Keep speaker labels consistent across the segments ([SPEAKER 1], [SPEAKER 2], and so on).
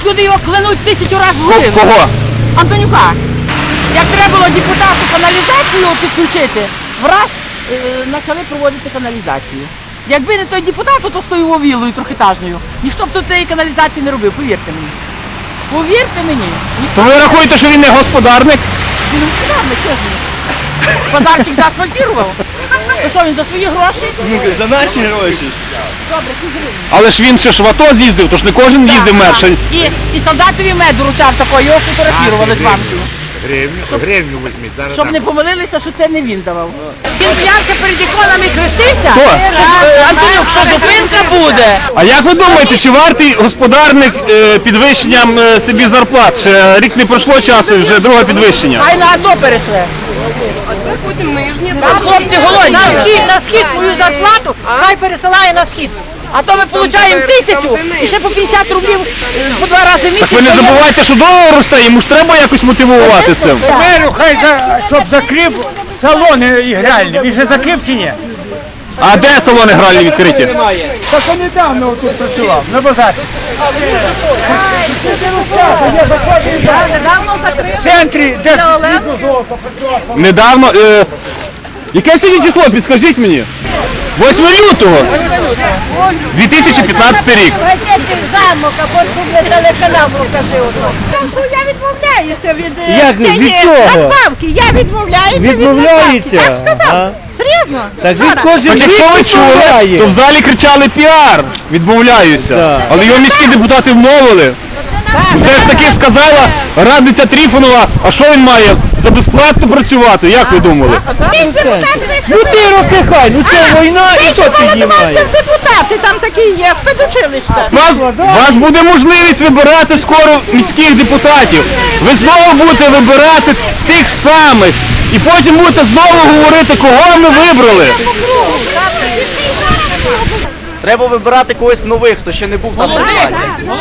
[SPEAKER 1] Тут люди його клянуть 1000 разів в гривень.
[SPEAKER 2] Кого?
[SPEAKER 1] Антонюка. Як треба було депутату каналізацію підключити, враз почали проводити каналізацію. Якби не той депутат, то з тою вілою трьохетажною, ніхто б тут цієї каналізації не робив, повірте мені. Повірте мені.
[SPEAKER 2] То ви рахуєте, що він не господарник?
[SPEAKER 1] Він господарник, чесно. Базарчик заасфальтував. То що, він за свої гроші?
[SPEAKER 3] Ну, за наші гроші.
[SPEAKER 1] Добре, 6 гривень.
[SPEAKER 2] Але ж він ще ж в АТО з'їздив, тож не кожен їздив мерше.
[SPEAKER 1] І солдатові меду ручав такого, його фотографірували з банків.
[SPEAKER 3] Гривню візьміть. Зараз
[SPEAKER 1] Щоб не помилилися, що це не він давав. Він п'янка перед іконами хрестився,
[SPEAKER 2] Хто?
[SPEAKER 1] Антонюк, що зупинка буде.
[SPEAKER 2] А як ви думаєте, чи вартий господарник підвищенням собі зарплат? Ще рік не пройшло часу, вже друге підвищення.
[SPEAKER 1] Хай на АТО перейшли.
[SPEAKER 4] Потім нижні.
[SPEAKER 1] Хлопці голодні. На схід свою зарплату, хай пересилає на схід. А то ми отримуємо 1000 і ще по 50 рублів по 2 рази в місяць.
[SPEAKER 2] Так ви не забувайте, що долар росте, йому ж треба якось мотивувати цим.
[SPEAKER 5] Меру, хай щоб закрив салони ігральні. Він же закрив чи ні?
[SPEAKER 2] А де салони гральні відкриті?
[SPEAKER 5] Так он недавно тут працював, на базарі. В центрі, де золото працював.
[SPEAKER 2] Недавно, яке сьогодні число, підскажіть мені? 8 лютого, 2015 рік.
[SPEAKER 1] Замок, а потім телеканал покажи. Я відмовляюся від...
[SPEAKER 5] Як від чого?
[SPEAKER 1] Надбавки, я відмовляюся від
[SPEAKER 5] Відмовляється?
[SPEAKER 1] надбавки. Так сказав.
[SPEAKER 5] А?
[SPEAKER 1] Серйозно?
[SPEAKER 5] Так він
[SPEAKER 1] Вчора.
[SPEAKER 5] кожен
[SPEAKER 2] Так якщо ви чули, то в залі кричали піар, відмовляюся.
[SPEAKER 5] Так.
[SPEAKER 2] Але його міські депутати вмовили. Це ж таки сказала радниця Тріфонова, а що він має? За безплатно працювати, як ви думали?
[SPEAKER 5] Ну ти роки хай, ну це війна і то піднімає.
[SPEAKER 1] Це депутати, там такі є, спецучилища.
[SPEAKER 2] Вас буде можливість вибирати скоро міських депутатів. Ви знову будете вибирати тих самих. І потім будете знову говорити, кого ми вибрали.
[SPEAKER 3] Треба вибирати когось нових, хто ще не був там на владі.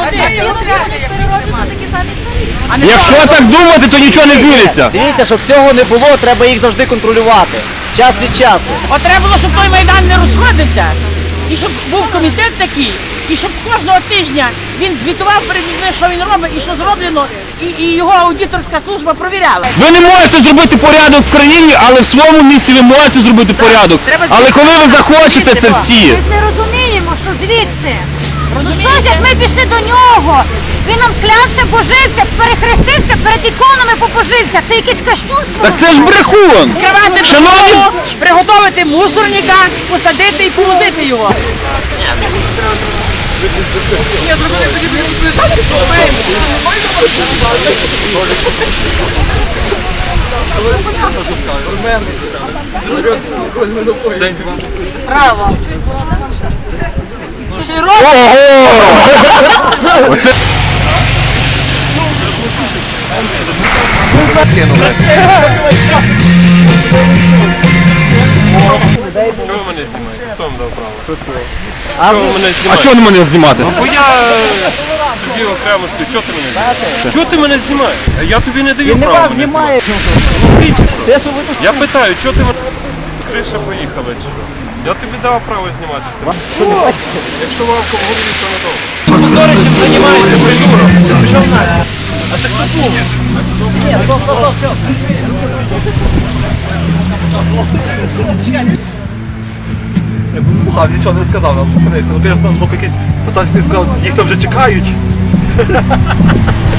[SPEAKER 2] Якщо так думати, то нічого не зміниться.
[SPEAKER 3] Дивіться, щоб цього не було, треба їх завжди контролювати. Час від часу.
[SPEAKER 1] От треба було, щоб той Майдан не розходився. І щоб був комітет такий, і щоб кожного тижня він звітував перед людьми, що він робить і що зроблено, і його аудиторська служба провіряла.
[SPEAKER 2] Ви не можете зробити порядок в країні, але в своєму місці ви можете зробити порядок. Але коли ви захочете це всі.
[SPEAKER 6] Ми не розуміємо, що звідси. Ну що ж, як ми пішли до нього, він нам клявся, божився, перехрестився, перед іконами побожився. Це якесь кощунство.
[SPEAKER 2] Так це ж брехун.
[SPEAKER 1] Відкривати
[SPEAKER 2] Шановні,
[SPEAKER 1] дорогу, приготувати мусорника, посадити і повозити його. Право. Широко.
[SPEAKER 2] ого! Оце...
[SPEAKER 7] Чого мене знімаєте? Хто вам дав право?
[SPEAKER 3] А
[SPEAKER 7] Чого ви мене
[SPEAKER 2] А
[SPEAKER 7] знімаєте?
[SPEAKER 2] чого не мене знімати?
[SPEAKER 7] Бо я тобі окремо стою. Чого ти мене знімаєш? Чого ти мене знімаєш? Я тобі не даю права мене знімати.
[SPEAKER 3] Те, що ви тут...
[SPEAKER 7] Я питаю, чого ти мене... Криша поїхала чи що? Я тобі дав право знімати. Якщо вам в голові, то надовго.
[SPEAKER 3] Позори, чим займаєшся, придурок. Пішов нафіг. А це хто був? Ні, стоп.
[SPEAKER 8] Я був збухав, нічого не сказав, нам зупинився. Ну ти ж там з боку якийсь пацан сказав, їх там вже чекають.